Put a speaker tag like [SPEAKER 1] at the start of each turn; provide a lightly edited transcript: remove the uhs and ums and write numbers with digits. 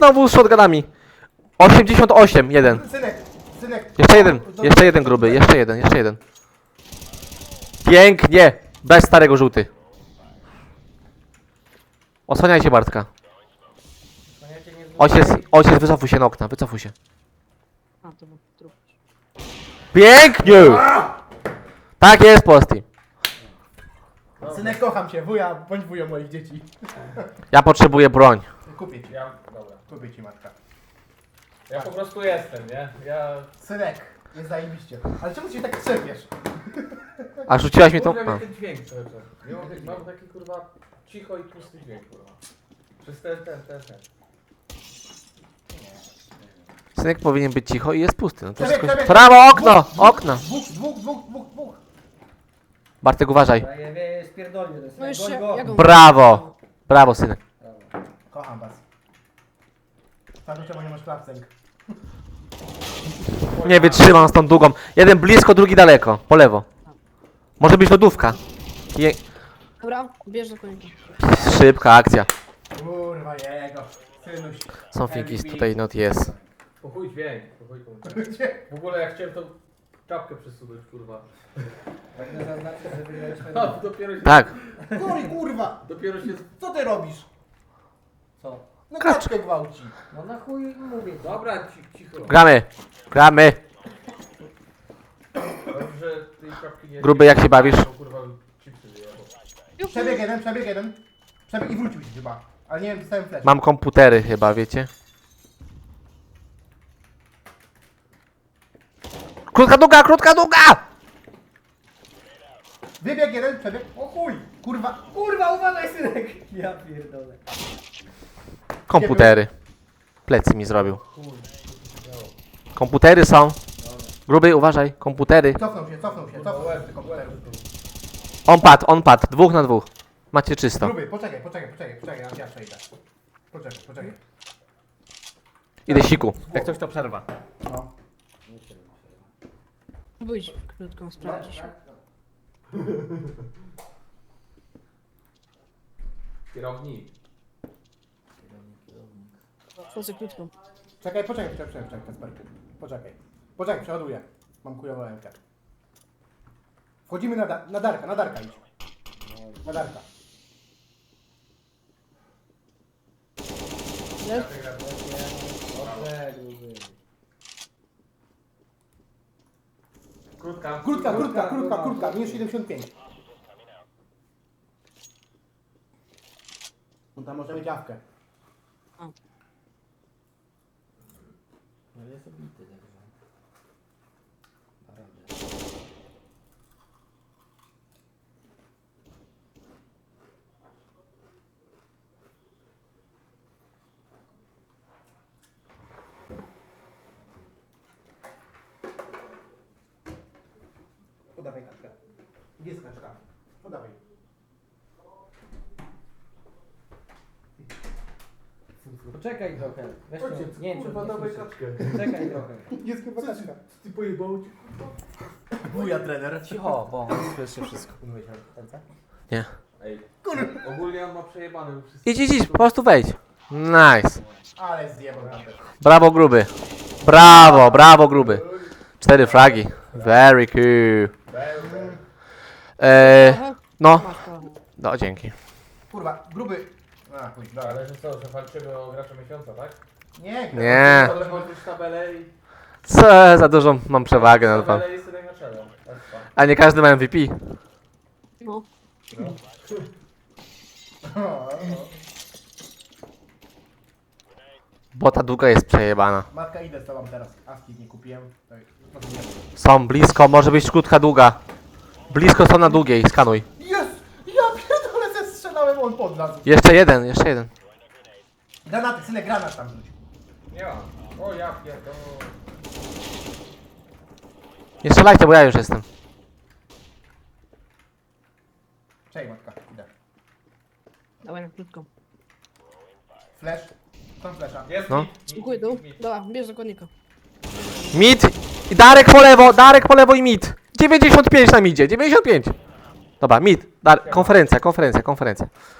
[SPEAKER 1] znowu z shotgunami. 88, jeden.
[SPEAKER 2] Synek.
[SPEAKER 1] Jeszcze jeden gruby, jeszcze jeden. Pięknie! Bez starego żółty. Osłaniajcie Bartka. Ojciec, wycofuj się na okna, wycofuj się.
[SPEAKER 3] A, to był trup.
[SPEAKER 1] Pięknie! Tak jest, Posty.
[SPEAKER 2] Synek, kocham cię, wuja, bądź wują moich dzieci.
[SPEAKER 1] Ja potrzebuję broń.
[SPEAKER 2] Kupię ci,
[SPEAKER 4] Dobra.
[SPEAKER 2] kupię ci matka.
[SPEAKER 4] Ja po prostu jestem, nie?
[SPEAKER 2] Synek, jest zajebiście. Ale czemu się tak trzepiesz?
[SPEAKER 1] A rzuciłaś mi tą...
[SPEAKER 4] Kurwa,
[SPEAKER 1] A.
[SPEAKER 4] mnie ten dźwięk cały czas. Mam taki kurwa cicho i pusty dźwięk, kurwa. Przez ten.
[SPEAKER 1] Synek powinien być cicho i jest pusty. No to
[SPEAKER 2] Przebieg,
[SPEAKER 1] wszystko...
[SPEAKER 2] przebieg.
[SPEAKER 1] Prawo, okno! Okno!
[SPEAKER 2] Dwóch.
[SPEAKER 1] Bartek, uważaj.
[SPEAKER 5] Spierdolnie, to jest
[SPEAKER 3] No jeszcze,
[SPEAKER 5] goń go.
[SPEAKER 3] ja go...
[SPEAKER 1] Brawo! Brawo, synek.
[SPEAKER 2] Kocham was. Tak, czemu nie masz klapsęk?
[SPEAKER 1] Nie wytrzymam z tą długą. Jeden blisko, drugi daleko. Po lewo. Może być lodówka.
[SPEAKER 3] Dobra, bierz do konika.
[SPEAKER 1] Szybka akcja.
[SPEAKER 2] Kurwa jego. Synuś.
[SPEAKER 1] Something is tutaj not yes.
[SPEAKER 4] Po chuj dźwięk, po chuj komuś. W ogóle jak chciałem tą czapkę przesunąć, kurwa.
[SPEAKER 5] Pragnę zaznaczyć, że wygraliśmy...
[SPEAKER 4] A, dopiero się...
[SPEAKER 1] Tak.
[SPEAKER 2] Kuri, kurwa!
[SPEAKER 4] Dopiero się...
[SPEAKER 2] Co ty robisz?
[SPEAKER 5] Co?
[SPEAKER 2] No kaczkę gwałci.
[SPEAKER 5] No na chuj mówię.
[SPEAKER 4] Dobra, cicho.
[SPEAKER 1] Gramy.
[SPEAKER 4] Dobrze, że tej czapki nie...
[SPEAKER 1] Gruby, jak się bawisz?
[SPEAKER 4] Kurwa, chipsy wyjebał.
[SPEAKER 2] Przebieg jeden. Przebieg i wrócił się chyba. Ale nie wiem, dostałem flash.
[SPEAKER 1] Mam komputery chyba, wiecie? Krótka długa!
[SPEAKER 2] Wybieg jeden, przebieg. O chuj! Kurwa.
[SPEAKER 5] Kurwa, uważaj synek! Ja pierdolę.
[SPEAKER 1] Komputery. Plecy mi zrobił. Komputery są. Gruby, uważaj. Komputery.
[SPEAKER 2] Cofnął się. Komputer.
[SPEAKER 1] On padł. 2 na 2. Macie czysto.
[SPEAKER 2] Gruby, poczekaj, ja przejdę. Poczekaj.
[SPEAKER 1] Idę siku. Jak coś to przerwa.
[SPEAKER 2] No.
[SPEAKER 3] Wyjdź krótką, sprawdzisz.
[SPEAKER 4] Kierownik.
[SPEAKER 3] Wchodzę krótką.
[SPEAKER 2] Czekaj, Kasperku. Poczekaj, przeładuję. Mam kujową rękę. Wchodzimy na Darka idź. Na Darka.
[SPEAKER 3] Jest?
[SPEAKER 5] Dobrze, gruby.
[SPEAKER 4] Krótka.
[SPEAKER 2] Minus 75. On tam może mieć awkę.
[SPEAKER 5] No jest obity, także...
[SPEAKER 2] Podawaj kaczkę. Gdzie jest kaczka? Podawaj.
[SPEAKER 5] Poczekaj trochę. Weź
[SPEAKER 4] Ojciec,
[SPEAKER 5] nie,
[SPEAKER 4] kurwa, dawaj kaczkę.
[SPEAKER 5] Czekaj trochę.
[SPEAKER 2] Jest chyba kaczka.
[SPEAKER 4] Ty pojebał ci?
[SPEAKER 2] Wuja trener.
[SPEAKER 5] Cicho, bo słyszy wszystko.
[SPEAKER 1] Nie.
[SPEAKER 4] Ej, ogólnie on ma przejebane, bo wszyscy...
[SPEAKER 1] Idź, po prostu wejdź. Nice.
[SPEAKER 2] Ale zjebał tam też.
[SPEAKER 1] Brawo, gruby. Brawo, gruby. 4 fragi. Very cool.
[SPEAKER 3] Aha.
[SPEAKER 1] No.
[SPEAKER 3] Masz to.
[SPEAKER 1] No, dzięki.
[SPEAKER 2] Kurwa, gruby. A, chuj, dobra.
[SPEAKER 4] Ale że co, że walczymy o gracza miesiąca, tak?
[SPEAKER 1] Nie.
[SPEAKER 4] Ale chodzisz tabelę i...
[SPEAKER 1] Co, za dużą mam przewagę nad wam.
[SPEAKER 4] Tabelę i sobie na czele.
[SPEAKER 1] A nie każdy ma MVP.
[SPEAKER 3] No.
[SPEAKER 1] Bo ta długa jest przejebana.
[SPEAKER 2] Matka, idę z tobą teraz. Aski nie kupiłem. Tak,
[SPEAKER 1] Są blisko, może być krótka długa. Blisko są na długiej, skanuj.
[SPEAKER 2] Jest! Ja pierdolę, zestrzelałem, on podlazł.
[SPEAKER 1] Jeszcze jeden.
[SPEAKER 2] Granaty, synek, granat tam rzuć.
[SPEAKER 4] Nie ma. O ja pierdolę.
[SPEAKER 1] Nie strzelajcie, bo ja już jestem.
[SPEAKER 2] Czekaj, matka, idę.
[SPEAKER 3] Dawaj na krótką.
[SPEAKER 2] Flash. Tam flasha.
[SPEAKER 4] Jest
[SPEAKER 1] No.
[SPEAKER 4] mit.
[SPEAKER 3] Dziękuję, dół. Dobra, bierz do konika.
[SPEAKER 1] Mid. I Darek po lewo i mid. 95 na midzie, 95. Dobra, mid. Konferencja.